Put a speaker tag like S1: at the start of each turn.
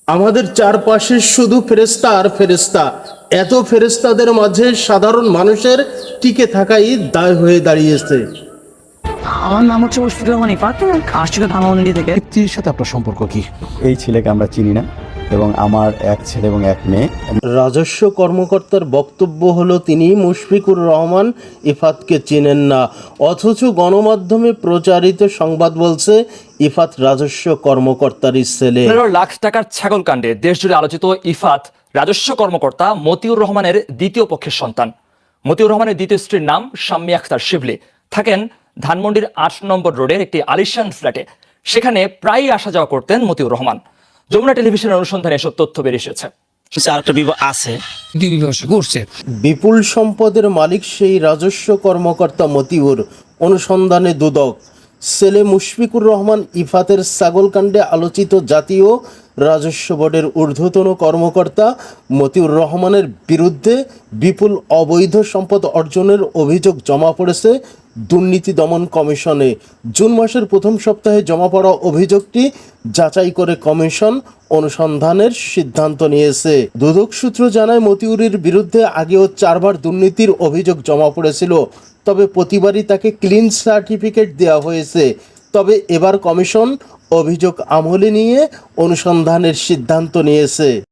S1: আমাদের চারপাশে শুধু ফেরেশতা আর ফেরেশতা। এত ফেরেশতাদের মাঝে সাধারণ মানুষের টিকে থাকাই দায় হয়ে দাঁড়িয়েছে।
S2: আমার নাম হচ্ছে মুশফিকুর রহমান ইফাত, আসছিল ধানমন্ডি থেকে।
S3: ব্যক্তির সাথে আপনার সম্পর্ক কি?
S4: এই ছেলেকে আমরা চিনি না এবং আমার এক ছেলে এবং এক মেয়ে।
S1: রাজস্ব কর্মকর্তার বক্তব্য হলো তিনি মুশফিকুর রহমান ইফাতকে চেনেন না, অথচ গণমাধ্যমে প্রচারিত সংবাদ বলছে ইফাত রাজস্ব কর্মকর্তারই ছেলে।
S5: 15 লাখ টাকার ছাগল কাণ্ডে দেশজুড়ে আলোচিত ইফাত রাজস্ব কর্মকর্তা মতিউর রহমানের দ্বিতীয় পক্ষের সন্তান। মতিউর রহমানের দ্বিতীয় স্ত্রীর নাম শাম্মী আখতার শিবলি, থাকেন ধানমন্ডির 8 নম্বর রোডের একটি আলিশান ফ্ল্যাটে। সেখানে প্রায়ই আসা যাওয়া করতেন মতিউর রহমান। যমুনা টেলিভিশনের অনুসন্ধানে এসব তথ্য বেরিয়ে এসেছে।
S2: আরেকটা বিবাহ আছে, বিবাহ করছে।
S1: বিপুল সম্পদের মালিক সেই রাজস্ব কর্মকর্তা মতিউর অনুসন্ধানে দুদক। ছেলে মুশফিকুর রহমান ইফাতের ছাগলকাণ্ডে আলোচিত জাতীয় রাজস্ব বোর্ডের ঊর্ধ্বতন কর্মকর্তা মতিউর রহমানের বিরুদ্ধে বিপুল অবৈধ সম্পদ অর্জনের অভিযোগ জমা পড়েছে দুর্নীতি দমন কমিশনে। জুন মাসের প্রথম সপ্তাহে জমা পড়া অভিযোগটি যাচাই করে কমিশন অনুসন্ধানের সিদ্ধান্ত নিয়েছে। দুদক সূত্র জানায় মতিউরের বিরুদ্ধে আগেও 4 বার দুর্নীতির অভিযোগ জমা পড়েছিল, তবে প্রতিবারই তাকে ক্লিন সার্টিফিকেট দেওয়া হয়েছে। তবে এবার কমিশন অভিযোগ আমলে নিয়ে অনুসন্ধানের সিদ্ধান্ত নিয়েছে।